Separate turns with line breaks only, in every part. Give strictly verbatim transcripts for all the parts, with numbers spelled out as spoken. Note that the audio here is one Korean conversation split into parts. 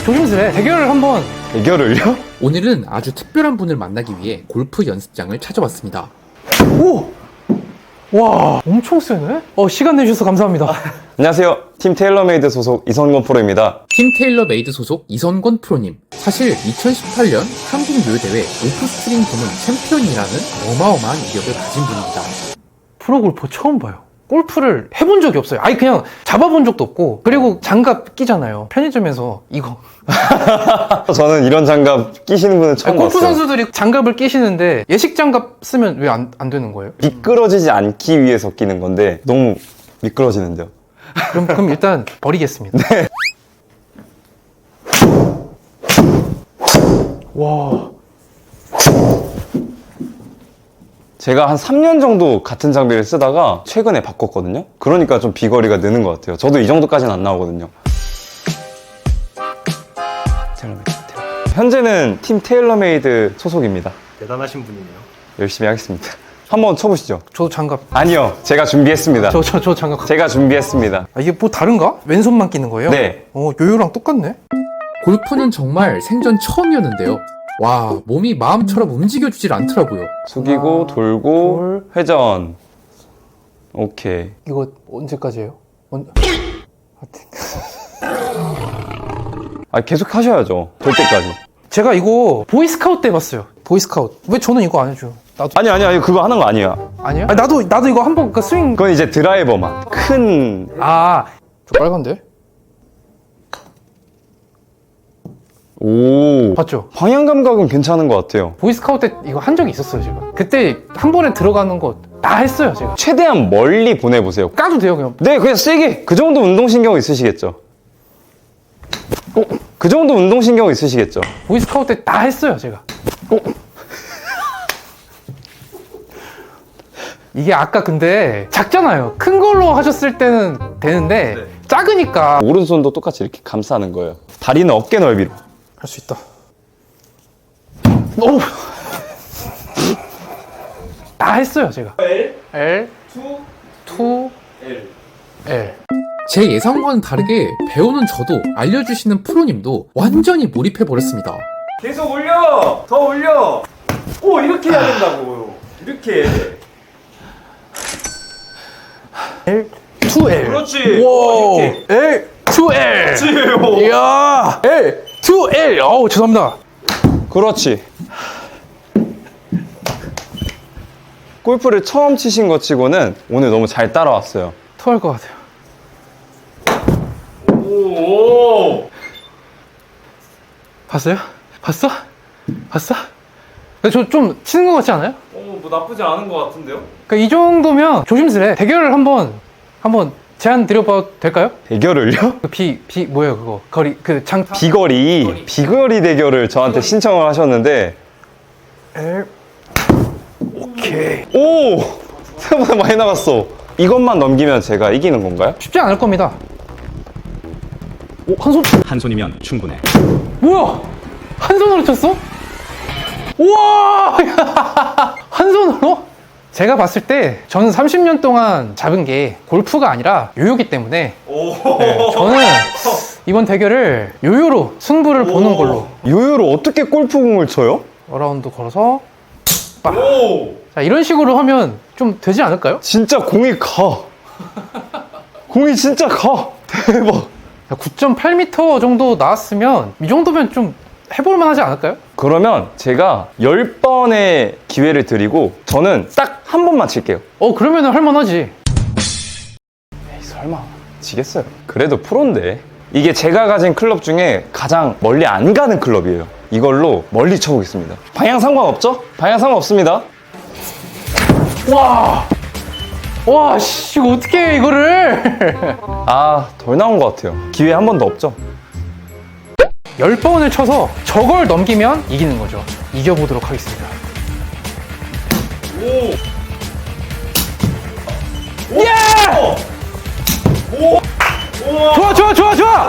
조심스레 대결을 한번.
대결을요?
오늘은 아주 특별한 분을 만나기 위해 골프 연습장을 찾아왔습니다.
오! 와, 엄청 세네? 어, 시간 내주셔서 감사합니다.
안녕하세요. 팀 테일러메이드 소속 이성권 프로입니다.
팀 테일러메이드 소속 이선권 프로님. 사실 이천십팔 년 한국 요요대회 오프스트링 부문 챔피언이라는 어마어마한 이력을 가진 분입니다.
프로골퍼 처음 봐요. 골프를 해본 적이 없어요. 아니 그냥 잡아본 적도 없고. 그리고 장갑 끼잖아요. 편의점에서 이거.
저는 이런 장갑 끼시는 분은 처음
아니, 골프
봤어요.
선수들이 장갑을 끼시는데 예식 장갑 쓰면 왜 안 안 되는 거예요?
미끄러지지 않기 위해서 끼는 건데 너무 미끄러지는데요.
그럼 그럼 일단 버리겠습니다.
네.
와.
제가 한 삼 년 정도 같은 장비를 쓰다가 최근에 바꿨거든요. 그러니까 좀 비거리가 느는 것 같아요. 저도 이 정도까지는 안 나오거든요. 테일러메이드, 테일러메이드. 현재는 팀 테일러메이드 소속입니다.
대단하신 분이네요.
열심히 하겠습니다. 한번 쳐보시죠.
저도 장갑.
아니요, 제가 준비했습니다.
저 저 저 장갑.
제가 준비했습니다.
아, 이게 뭐 다른가? 왼손만 끼는 거예요?
네.
어, 요요랑 똑같네.
골프는 정말 생전 처음이었는데요. 와, 몸이 마음처럼 움직여주질 않더라고요.
숙이고
하나,
돌고 회전. 오케이.
이거 언제까지예요? 언...
아, 계속 하셔야죠. 될 때까지.
제가 이거 보이스카우트 때 봤어요. 보이스카우트. 왜 저는 이거 안 해줘요? 나도.
아니 아니 아니 그거 하는 거 아니야.
아니야? 아니, 나도 나도 이거 한번 그 스윙.
그건 이제 드라이버만. 큰.
아, 저 빨간데?
오.
봤죠?
방향 감각은 괜찮은 것 같아요.
보이스카우트 때 이거 한 적이 있었어요, 제가. 그때 한 번에 들어가는 거 다 했어요, 제가.
최대한 멀리 보내보세요.
까도 돼요, 그냥.
네, 그냥 세게. 그 정도 운동신경 있으시겠죠? 어? 그 정도 운동신경 있으시겠죠?
보이스카우트 때 다 했어요, 제가. 어? 이게 아까 근데 작잖아요. 큰 걸로 하셨을 때는 되는데
네.
작으니까
오른손도 똑같이 이렇게 감싸는 거예요. 다리는 어깨 넓이로.
할 수 있다. 오! 다 했어요, 제가.
L,
L,
투,
투,
L.
L.
제 예상과는 다르게 배우는 저도 알려주시는 프로님도 완전히 몰입해버렸습니다.
계속 올려! 더 올려! 오, 이렇게 해야 된다고요. 이렇게.
L, 투 L.
그렇지.
와,
이렇게.
L, 투 L.
그렇지.
이야, L, 투 L. 어우, 죄송합니다.
그렇지. 골프를 처음 치신 것 치고는 오늘 너무 잘 따라왔어요.
토할 것 같아요.
오.
봤어요? 봤어? 봤어? 저 좀 치는 것 같지 않아요?
오, 뭐 나쁘지 않은 것 같은데요?
그러니까 이 정도면 조심스레 대결을 한번 한번 제안 드려봐도 될까요?
대결을요?
그 비, 비 뭐예요 그거 거리 그 장
비거리, 비거리 대결을 저한테 신청을 하셨는데
L 오케이
오! 생각보다 많이 나갔어. 이것만 넘기면 제가 이기는 건가요?
쉽지 않을 겁니다. 오, 한 손.
한 손이면 충분해.
뭐야? 한 손으로 쳤어? 우와! 한 손으로? 제가 봤을 때 저는 삼십 년 동안 잡은 게 골프가 아니라 요요기 때문에
오.
네, 저는 이번 대결을 요요로 승부를 보는 걸로.
요요로 어떻게 골프공을 쳐요?
어라운드 걸어서
오.
자 이런 식으로 하면 좀 되지 않을까요?
진짜 공이 가. 공이 진짜 가. 대박.
구 점 팔 미터 정도 나왔으면 이 정도면 좀 해볼만 하지 않을까요?
그러면 제가 열 번의 기회를 드리고 저는 딱 한 번만 칠게요.
어 그러면은 할만하지.
에이, 설마 지겠어요. 그래도 프로인데. 이게 제가 가진 클럽 중에 가장 멀리 안 가는 클럽이에요. 이걸로 멀리 쳐보겠습니다. 방향 상관없죠? 방향 상관없습니다.
와, 와, 씨, 이거 어떻게 해, 이거를.
아, 덜 나온 것 같아요. 기회 한 번도 없죠?
열 번을 쳐서 저걸 넘기면 이기는 거죠. 이겨보도록 하겠습니다.
오.
예!
오. 오.
좋아, 좋아, 좋아, 좋아!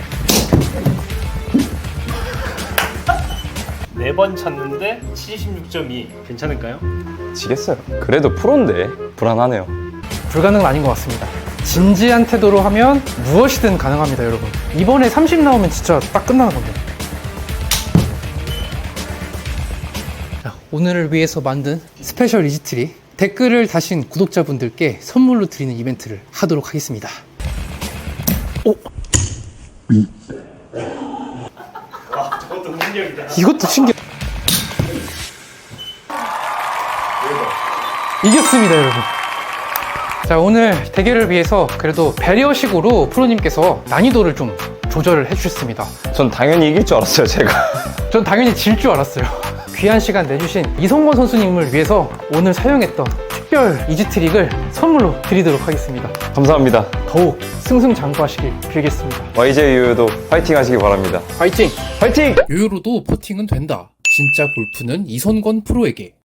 네 번 찼는데 칠십육 점 이. 괜찮을까요?
지겠어요. 그래도 프로인데 불안하네요.
불가능은 아닌 것 같습니다. 진지한 태도로 하면 무엇이든 가능합니다, 여러분. 이번에 삼십 나오면 진짜 딱 끝나는 건데. 오늘을 위해서 만든 스페셜 이지트리 댓글을 다신 구독자분들께 선물로 드리는 이벤트를 하도록 하겠습니다. 오!
저것도 능력이다.
이것도 신기해. 이겼습니다, 여러분. 자, 오늘 대결을 위해서 그래도 배려식으로 프로님께서 난이도를 좀 조절을 해주셨습니다.
전 당연히 이길 줄 알았어요, 제가.
전 당연히 질 줄 알았어요. 귀한 시간 내주신 이성권 선수님을 위해서 오늘 사용했던 특별 이지트릭을 선물로 드리도록 하겠습니다.
감사합니다.
더욱 승승장구하시길 빌겠습니다.
와이제이유도 파이팅 하시기 바랍니다.
파이팅!
파이팅!
요요로도 퍼팅은 된다. 진짜 골프는 이선권 프로에게.